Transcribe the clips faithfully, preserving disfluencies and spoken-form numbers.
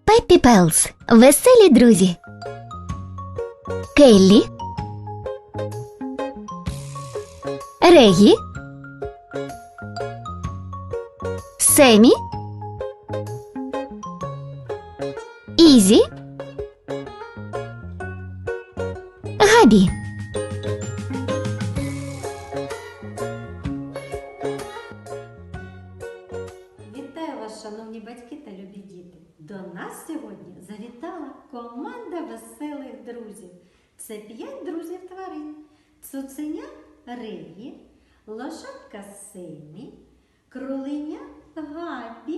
Пеппі Пелс. Веселі друзі. Келлі, Регі, Семі, Ізі, Габі. Вітаю вас, шановні батьки та любі діти! До нас сьогодні завітала команда веселих друзів. Це п'ять друзів тварин. Цуценя Регі, лошадка Семі, кроленя Габі,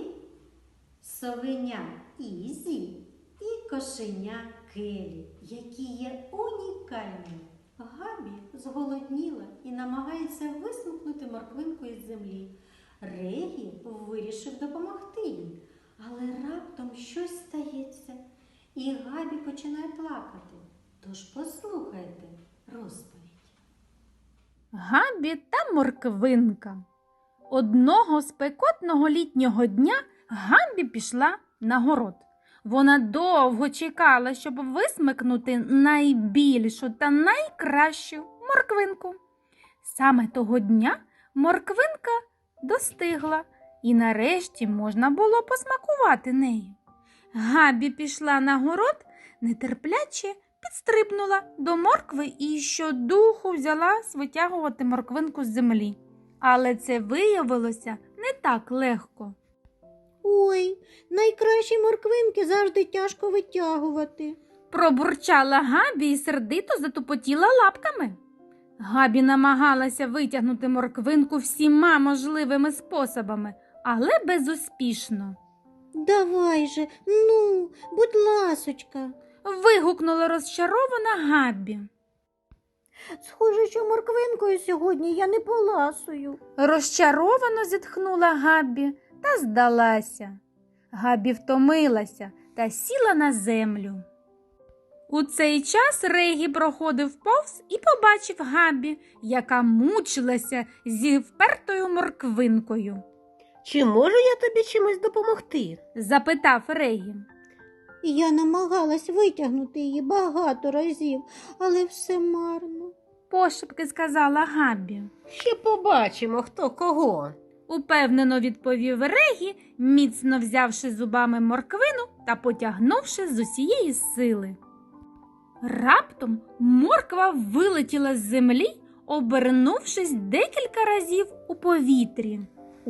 совеня Ізі і кошеня Келлі, які є унікальними. Габі зголодніла і намагається висмикнути морквинку із землі. Регі вирішив допомогти їй, але раптом щось стається, і Габі починає плакати. Тож послухайте розповідь. Габі та морквинка. Одного спекотного літнього дня Габі пішла на город. Вона довго чекала, щоб висмикнути найбільшу та найкращу морквинку. Саме того дня морквинка достигла, і нарешті можна було посмакувати нею. Габі пішла на город, нетерпляче підстрибнула до моркви і щодуху взялась витягувати морквинку з землі. Але це виявилося не так легко. Ой, найкращі морквинки завжди тяжко витягувати. Пробурчала Габі і сердито затупотіла лапками. Габі намагалася витягнути морквинку всіма можливими способами, але безуспішно. Давай же, ну, будь ласочка. Вигукнула розчарована Габі. Схоже, що морквинкою сьогодні я не поласую. Розчаровано зітхнула Габі та здалася. Габі втомилася та сіла на землю. У цей час Регі проходив повз і побачив Габі, яка мучилася зі впертою морквинкою. Чи можу я тобі чимось допомогти? Запитав Регі. Я намагалась витягнути її багато разів, але все марно. Пошепки сказала Габі. Ще побачимо, хто кого. Упевнено відповів Регі, міцно взявши зубами морквину та потягнувши з усієї сили. Раптом морква вилетіла з землі, обернувшись декілька разів у повітрі.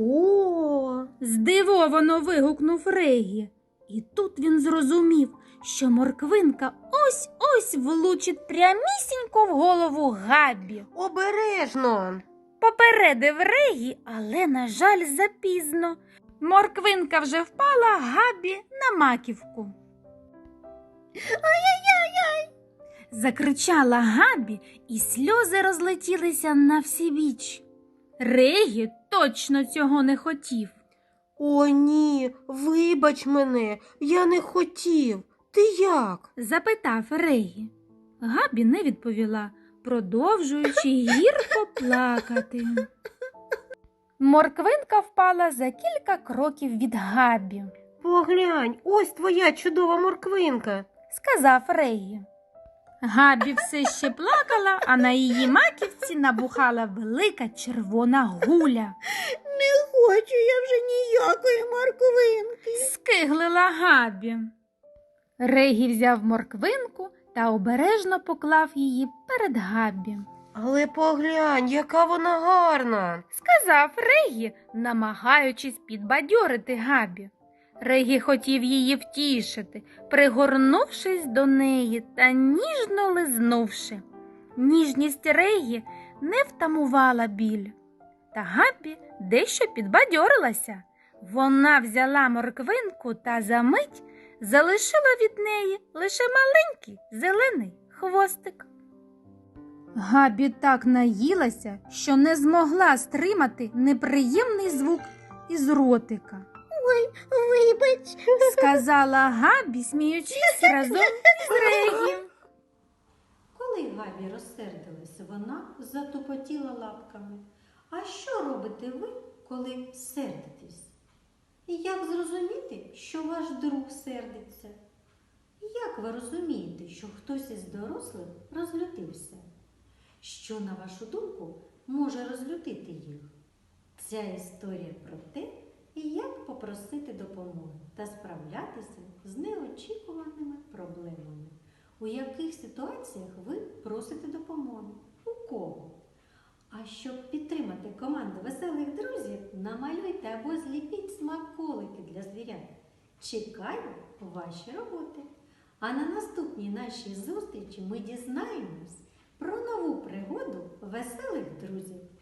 О, Здивовано вигукнув Регі. І тут він зрозумів, що морквинка ось-ось влучить прямісінько в голову Габі. обережно. Попередив Регі, але, на жаль, запізно. Морквинка вже впала Габі на маківку. «Ай-яй-яй-яй!» – закричала Габі, і сльози розлетілися на всі біч. Регі точно цього не хотів. О, ні, вибач мене, я не хотів. Ти як? Запитав Регі. Габі не відповіла, продовжуючи гірко плакати. Морквинка впала за кілька кроків від Габі. Поглянь, ось твоя чудова морквинка. Сказав Регі. Габі все ще плакала, а на її маківці набухала велика червона гуля. Не хочу я вже ніякої морквинки. Скиглила Габі. Регі взяв морквинку та обережно поклав її перед Габі. Але поглянь, яка вона гарна. Сказав Регі, намагаючись підбадьорити Габі. Регі хотів її втішити, пригорнувшись до неї та ніжно лизнувши. Ніжність Регі не втамувала біль. Та Габі дещо підбадьорилася. Вона взяла морквинку та за мить залишила від неї лише маленький зелений хвостик. Габі так наїлася, що не змогла стримати неприємний звук із ротика. Ой, вибач. Сказала Габі, сміючись разом із Регі. Коли Габі розсердилась, вона затупотіла лапками. А що робите ви, коли сердитесь? І як зрозуміти, що ваш друг сердиться? Як ви розумієте, що хтось із дорослих розлютився? Що, на вашу думку, може розлютити їх? Ця історія про те, як попросити допомоги та справлятися з неочікуваними проблемами. У яких ситуаціях ви просите допомоги? У кого? А щоб підтримати команду веселих друзів, намалюйте або зліпіть смаколики для звірят. Чекаю ваші роботи. А на наступній нашій зустрічі ми дізнаємось про нову пригоду веселих друзів.